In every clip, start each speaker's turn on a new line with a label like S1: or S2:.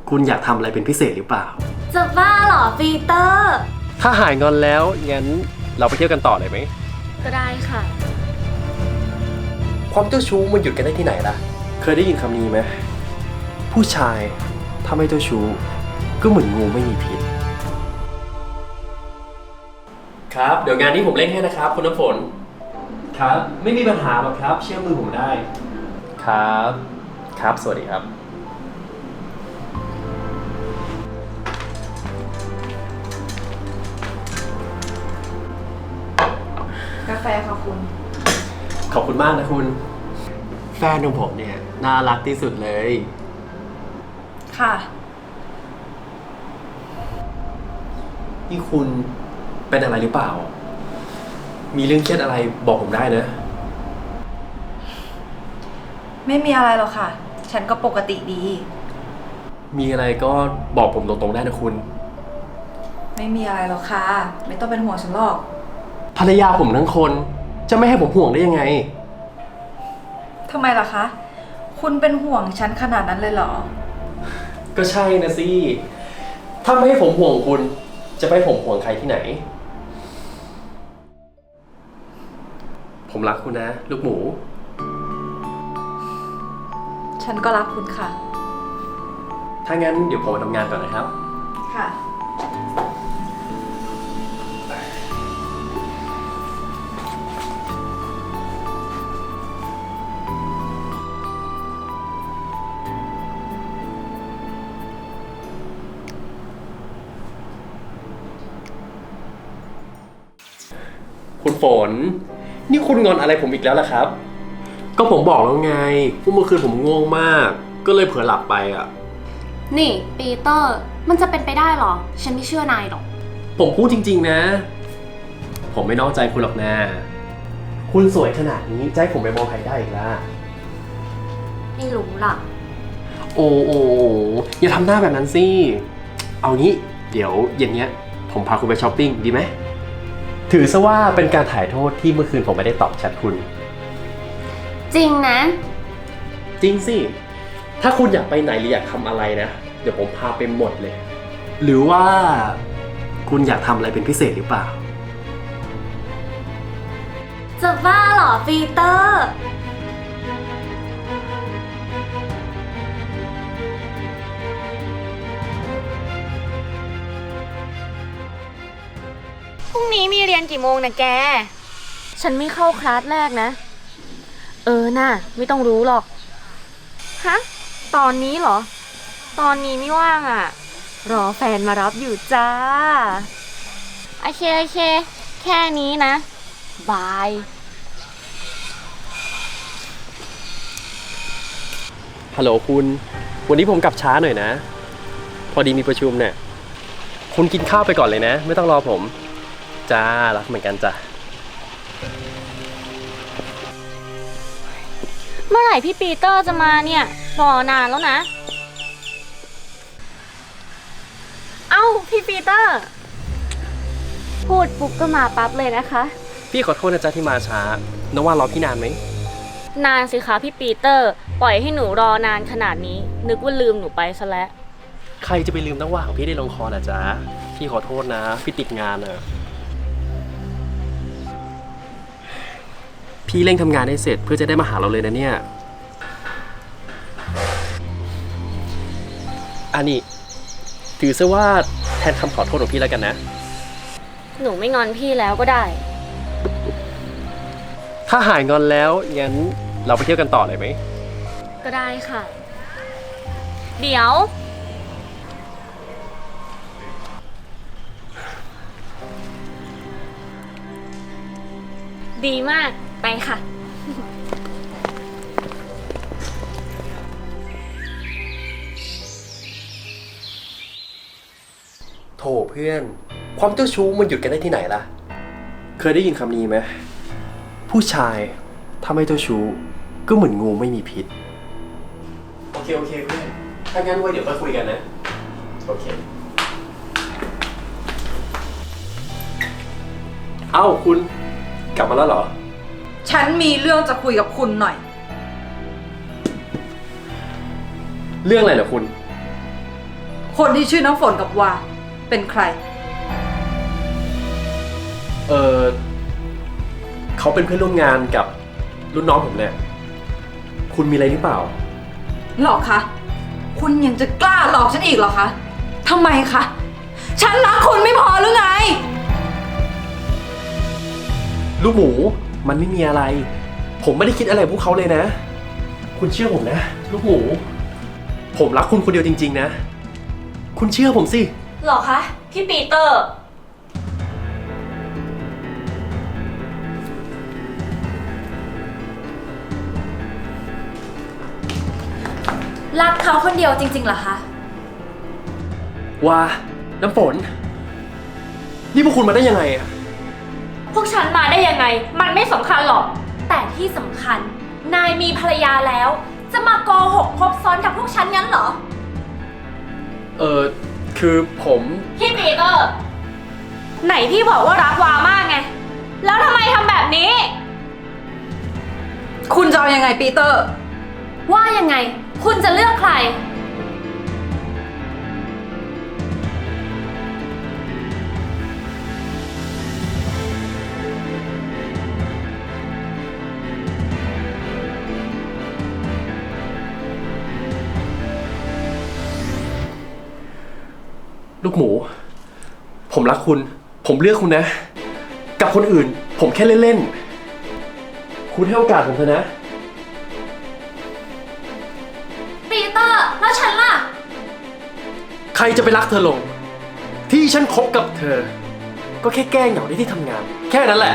S1: คุณอยากทำอะไรเป็นพิเศษหรือเปล่า
S2: จะบ้าเหรอปีเตอร์
S1: ถ้าหายงอนแล้วงั้นเราไปเที่ยวกันต่อเลยไหม
S2: ก็ได้ค่ะ
S1: ความเจ้าชู้มันหยุดกันได้ที่ไหนล่ะเคยได้ยินคำนี้ไหมผู้ชายถ้าไม่เจ้าชู้ก็เหมือนงูไม่มีพิษครับเดี๋ยวงานนี้ผมเล่นให้นะครับคุณน้ำฝนครับไม่มีปัญหาหรอกครับเชื่อมือผมได้ครับครับสวัสดีครับ
S3: กาแฟค่ะคุณ
S1: ขอบคุณมากนะคุณแฟนของผมเนี่ยน่ารักที่สุดเลย
S3: ค่ะ
S1: นี่คุณเป็นอะไรหรือเปล่ามีเรื่องเครียดอะไรบอกผมได้นะ
S3: ไม่มีอะไรหรอกค่ะฉันก็ปกติดี
S1: มีอะไรก็บอกผมตรงๆได้นะคุณ
S3: ไม่มีอะไรหรอกค่ะไม่ต้องเป็นห่วงฉันหรอก
S1: ภรรยาผมทั้งคนจะไม่ให้ผมห่วงได้ยังไง
S3: ทำไมล่ะคะคุณเป็นห่วงฉันขนาดนั้นเลยเหรอ
S1: ก็ใช่นะสิถ้าไม่ให้ผมห่วงคุณจะไปให้ผมห่วงใครที่ไหนผมรักคุณนะลูกหมู
S3: ฉันก็รักคุณค่ะ
S1: ถ้างั้นเดี๋ยวผมไปทำงานก่อนนะครับ
S3: ค่ะ
S1: คุณฝนนี่คุณงอนอะไรผมอีกแล้วล่ะครับก็ผมบอกแล้วไงว่าเมื่อคืนผมง่วงมากก็เลยเผลอหลับไปอ่ะ
S2: นี่ปีเตอร์มันจะเป็นไปได้หรอฉันไม่เชื่อนายหรอก
S1: ผมพูดจริงๆนะผมไม่นอกใจคุณหรอกนะคุณสวยขนาดนี้จะให้ผมไปมองใครได้อีกล่ะ
S2: ไม่รู้ล่ะ
S1: โอ้อย่าทำหน้าแบบนั้นสิเอางี้เดี๋ยวเย็นเนี้ยผมพาคุณไปช้อปปิ้งดีไหมถือซะว่าเป็นการถ่ายโทษที่เมื่อคืนผมไม่ได้ตอบแชทคุณ
S2: จริงนะ
S1: จริงสิถ้าคุณอยากไปไหนหรืออยากทำอะไรนะเดี๋ยวผมพาไปหมดเลยหรือว่าคุณอยากทำอะไรเป็นพิเศษหรือเปล่า
S2: จะบ้าเหรอปีเตอร์พรุ่งนี้มีเรียนกี่โมงนะแกฉันไม่เข้าคลาสแรกนะน่ะไม่ต้องรู้หรอกฮะตอนนี้เหรอตอนนี้ไม่ว่างอ่ะรอแฟนมารับอยู่จ้าโอเคแค่นี้นะบาย
S1: ฮัลโหลคุณวันนี้ผมกลับช้าหน่อยนะพอดีมีประชุมเนี่ยคุณกินข้าวไปก่อนเลยนะไม่ต้องรอผมจ้ารักเหมือนกันจ้ะ
S2: เมื่อไหร่พี่ปีเตอร์จะมาเนี่ยรอนานแล้วนะเอ้าพี่ปีเตอร์พูดปุ๊บก็มาปั๊บเลยนะคะ
S1: พี่ขอโทษนะจ๊ะที่มาช้าน้องว่ารอพี่นานไหม
S2: นานสิคะพี่ปีเตอร์ปล่อยให้หนูรอนานขนาดนี้นึกว่าลืมหนูไปซะแล้ว
S1: ใครจะไปลืมน้องว่าของพี่ได้ลงคอนะจ๊ะพี่ขอโทษนะพี่ติดงานอะพี่เร่งทำงานให้เสร็จเพื่อจะได้มาหาเราเลยนะเนี่ยอันนี้ถือซะว่าแทนคำขอโทษของพี่แล้วกันนะ
S2: หนูไม่งอนพี่แล้วก็ได้
S1: ถ้าหายงอนแล้วงั้นเราไปเที่ยวกันต่อเลยไหม
S2: ก็ได้ค่ะเดี๋ยวดีมากไปค่ะ
S1: โถเพื่อนความเจ้าชู้มันหยุดกันได้ที่ไหนล่ะเคยได้ยินคำนี้ไหมผู้ชายถ้าไม่เจ้าชู้ก็เหมือนงูไม่มีพิษโอเคเพื่อนถ้างั้นไว้เดี๋ยวไปคุยกันนะโอเคเอ้าคุณกลับมาแล้วเหรอ
S3: ฉันมีเรื่องจะคุยกับคุณหน่อย
S1: เรื่องอะไรเหรอคุณ
S3: คนที่ชื่อน้ำฝนกับวาเป็นใคร
S1: เขาเป็นเพื่อนร่วมงานกับรุ่นน้องผมเนี่ยคุณมีอะไรหรือเปล่า
S3: หลอกคะ คุณยังจะกล้าหลอกฉันอีกเหรอคะทำไมคะ ฉันรักคุณไม่พอหรือไง
S1: ลูกหมูมันไม่มีอะไร ผมไม่ได้คิดอะไรกับพวกเขาเลยนะ คุณเชื่อผมนะ ลูกหมู ผมรักคุณคนเดียวจริงๆนะ คุณเชื่อผมสิ
S2: หรอคะ พี่ปีเตอร์
S4: รักเขาคนเดียวจริงๆเหรอคะ
S1: ว่าน้ำฝน นี่พวกคุณมาได้ยังไงอะ
S2: พวกฉันมาได้ยังไง มันไม่สำคัญหรอก
S4: แต่ที่สำคัญ นายมีภรรยาแล้ว จะมาโกหกคบซ้อนกับพวกฉันงั้นเหรอ
S1: คือผม
S2: พี่ปีเตอร์ ไหนพี่บอกว่ารักวามากไง แล้วทำไมทำแบบนี้
S3: คุณจะเอายังไงปีเตอร์
S4: ว่ายังไง คุณจะเลือกใคร
S1: ลูกหมู ผมรักคุณ ผมเลือกคุณนะ กับคนอื่น ผมแค่เล่นๆ คุณให้โอกาสผมเถอะนะ
S4: ปีเตอร์ แล้วฉันล่ะ
S1: ใครจะไปรักเธอลง ที่ฉันคบกับเธอ ก็แค่แก้เหงาได้ที่ทำงาน แค่นั้นแหละ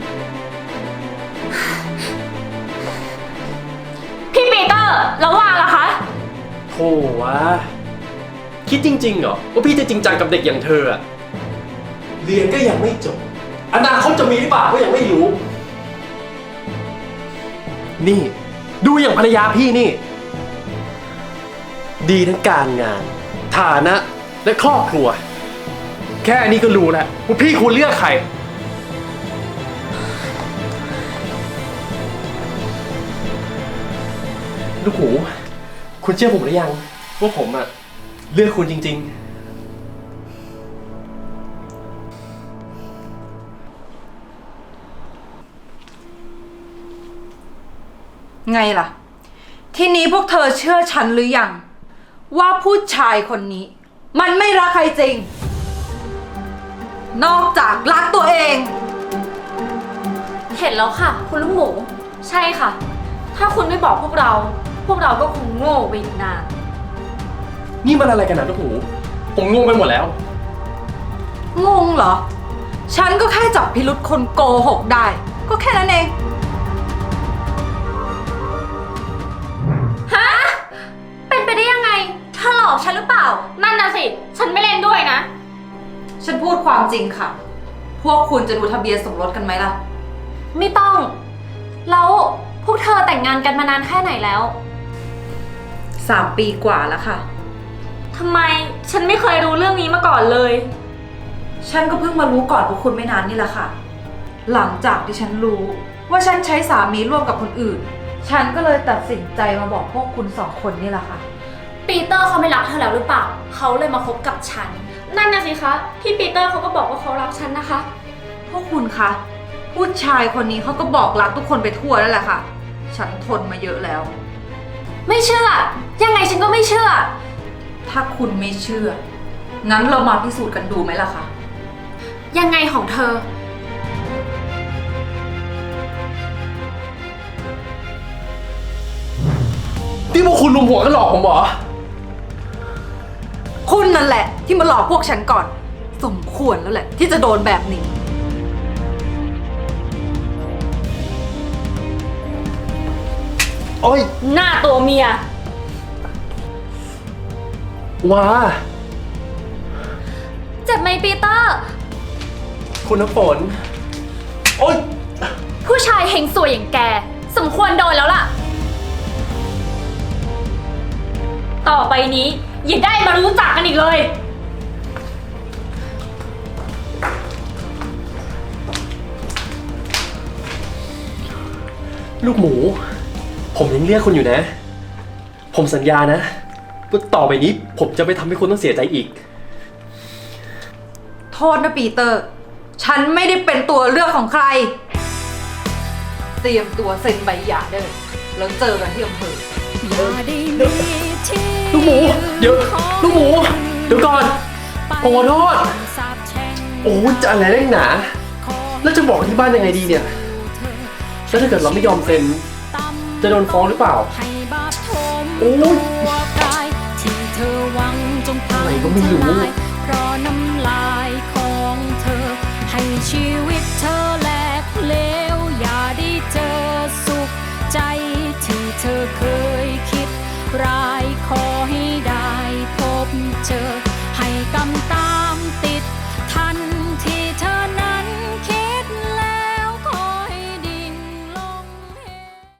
S2: พี่ปีเตอร์ แล้วว่าล่ะคะ
S1: โธ่วะ คิดจริงๆเหรอว่าพี่จะจริงจังกับเด็กอย่างเธออะเรียนก็ยังไม่จบ อนาคตจะมีหรือเปล่าก็ยังไม่รู้ นี่ ดูอย่างภรรยาพี่นี่ ดีทั้งการงาน ฐานะ และครอบครัว แค่นี้ก็รู้แล้วว่าพี่ควรเลือกใคร ลูกหมู คุณเชื่อผมหรือยังว่าผมอะเลือกคุณจริงๆ
S3: ไงล่ะ ทีนี้พวกเธอเชื่อฉันหรือยัง ว่าผู้ชายคนนี้ มันไม่รักใครจริง นอกจากรักตัวเอง
S4: เห็นแล้วค่ะ คุณลูกหมู
S2: ใช่ค่ะ ถ้าคุณไม่บอกพวกเรา พวกเราก็คงโง่ไปอีกนาน
S1: นี่มันอะไรกันนะลูกหมู ผมงงไปหมดแล้ว
S3: งงเหรอ ฉันก็แค่จับพิรุษคนโกหกได้ ก็แค่นั้นเอง
S4: ฮะ เป็นไปได้ยังไงเธอหลอกฉันหรือเปล่า
S2: นั่นน่ะสิ ฉันไม่เล่นด้วยนะ
S3: ฉันพูดความจริงค่ะ พวกคุณจะดูทะเบียนสมรสกันไหมล่ะ
S4: ไม่ต้อง แล้วพวกเธอแต่งงานกันมานานแค่ไหนแล้ว
S3: 3 ปีกว่าแล้วค่ะ
S2: ทำไมฉันไม่เคยรู้เรื่องนี้มาก่อนเลย
S3: ฉันก็เพิ่งมารู้ก่อนพวกคุณไม่นานนี่แหละค่ะ หลังจากที่ฉันรู้ว่าฉันใช้สามีร่วมกับคนอื่น ฉันก็เลยตัดสินใจมาบอกพวกคุณ2 คนนี่แหละค่ะ
S4: ปีเตอร์เขาไม่รักเธอแล้วหรือเปล่า เขาเลยมาคบกับฉัน
S2: นั่นน่ะสิคะ พี่ปีเตอร์เขาก็บอกว่าเขารักฉันนะคะ
S3: พวกคุณคะ ผู้ชายคนนี้เขาก็บอกรักทุกคนไปทั่วนั่นแหละค่ะ ฉันทนมาเยอะแล้ว
S4: ไม่เชื่อ ยังไงฉันก็ไม่เชื่อ
S3: ถ้าคุณไม่เชื่อ งั้นเรามาพิสูจน์กันดูไหมล่ะคะ
S4: ยังไงของเธอ
S1: ที่พวกคุณลุมหัวกันหลอกผมเหรอ
S3: คุณนั่นแหละที่มาหลอกพวกฉันก่อน สมควรแล้วแหละ ที่จะโดนแบบนี้
S1: โอ้ย
S2: หน้าตัวเมีย
S1: ว้า
S4: เจ็บไหมปีเตอร์
S1: คุณน้ำฝน โอ้ย
S4: ผู้ชายเฮงสวยอย่างแก สมควรโดนแล้วล่ะ
S2: ต่อไปนี้อย่าได้มารู้จักกันอีกเลย
S1: ลูกหมู ผมยังเรียกคุณอยู่นะ ผมสัญญานะว่าต่อไปนี้ผมจะไม่ทำให้คุณต้องเสียใจอีก
S3: โทษนะปีเตอร์ ฉันไม่ได้เป็นตัวเลือกของใคร เตรียมตัวเซ็นใบหย่าได้เลยแล้วเจอกันที่อำเภอ
S1: ลูกหมู เดี๋ยว ลูกหมู เดี๋ยวก่อนผมขอโทษ โอ้ยจะอะไรเร่งหนา แล้วจะบอกที่บ้านยังไงดีเนี่ย แล้วถ้าเกิดเราไม่ยอมเซ็น จะโดนฟ้องหรือเปล่า โอ้ยอะไรก็ไม่รู้
S5: เพราะน้ำลายของเธอ ให้ชีวิตเธอแหลกเหลว อย่าได้เจอสุขใจที่เธอเคยคิดร้าย